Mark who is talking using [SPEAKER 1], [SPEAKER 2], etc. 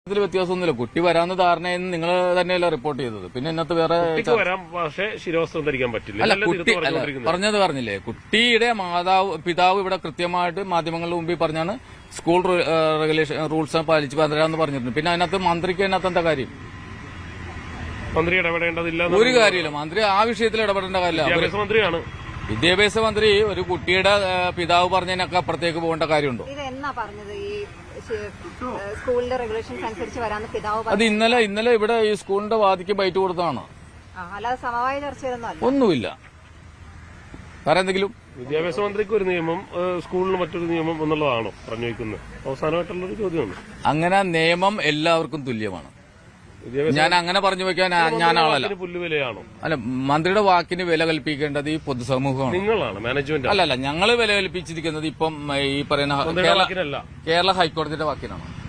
[SPEAKER 1] ഇതിൽ വ്യത്യാസമൊന്നുമില്ല. കുട്ടി വരാന്ന് ധാരണയെന്ന് നിങ്ങൾ തന്നെയല്ല റിപ്പോർട്ട് ചെയ്തത്. പിന്നെ ഇന്നത്തെ വേറെ
[SPEAKER 2] വരാം, പക്ഷേ ശിരോവസ്ത്രം ധരിക്കാൻ പറ്റില്ല.
[SPEAKER 1] അല്ല, കുട്ടി പറഞ്ഞത് പറഞ്ഞില്ലേ, കുട്ടിയുടെ പിതാവ് ഇവിടെ കൃത്യമായിട്ട് മാധ്യമങ്ങളുടെ മുമ്പിൽ പറഞ്ഞാണ് സ്കൂൾ റെഗുലേഷൻ റൂൾസ് പാലിച്ച് വരാമെന്ന് പറഞ്ഞിട്ടുണ്ട്. പിന്നെ അതിനകത്ത് മന്ത്രിക്ക് അതിനകത്ത് എന്താ കാര്യം?
[SPEAKER 2] മന്ത്രി ഇടപെടേണ്ടതില്ല, ഒരു
[SPEAKER 1] കാര്യമില്ല. മന്ത്രി ആ വിഷയത്തിൽ ഇടപെടേണ്ട കാര്യമില്ല.
[SPEAKER 2] വിദ്യാഭ്യാസ മന്ത്രിയാണ്.
[SPEAKER 1] വിദ്യാഭ്യാസ മന്ത്രി ഒരു കുട്ടിയുടെ പിതാവ് പറഞ്ഞതിനൊക്കെ അപ്പുറത്തേക്ക് പോകേണ്ട കാര്യമുണ്ടോ?
[SPEAKER 3] സ്കൂളിന്റെ റെഗുലേഷൻസ് അനുസരിച്ച് വരാന്ന് പിതാവ്
[SPEAKER 1] അത് ഇന്നലെ ഇവിടെ ഈ സ്കൂളിന്റെ വാദിക്ക് ബൈറ്റ് കൊടുത്തതാണ്.
[SPEAKER 3] അല്ലാതെ സമവായ ചർച്ചയിലൊന്നും
[SPEAKER 1] ഒന്നുമില്ല. വേറെ എന്തെങ്കിലും
[SPEAKER 2] വിദ്യാഭ്യാസ മന്ത്രിക്ക് ഒരു നിയമം, സ്കൂളിന് മറ്റൊരു നിയമം എന്നുള്ളതാണോ പറഞ്ഞു വയ്ക്കുന്നത്? അവസാനമായിട്ടുള്ളൊരു ചോദ്യമാണ്.
[SPEAKER 1] അങ്ങനെ നിയമം എല്ലാവർക്കും തുല്യമാണ്. ഞാൻ അങ്ങനെ പറഞ്ഞു വെക്കാൻ ഞാൻ ആളല്ല.
[SPEAKER 2] പുല്ലുവിലയാണോ?
[SPEAKER 1] അല്ല, മന്ത്രിയുടെ വാക്കിന് വില കൽപ്പിക്കേണ്ടത് ഈ പൊതുസമൂഹമാണ്.
[SPEAKER 2] നിങ്ങളാണ് മാനേജ്മെന്റ്.
[SPEAKER 1] അല്ലല്ല, ഞങ്ങൾ വില കൽപ്പിച്ചിരിക്കുന്നത് ഇപ്പം ഈ പറയുന്ന കേരള ഹൈക്കോടതിയുടെ വാക്കിനാണ്.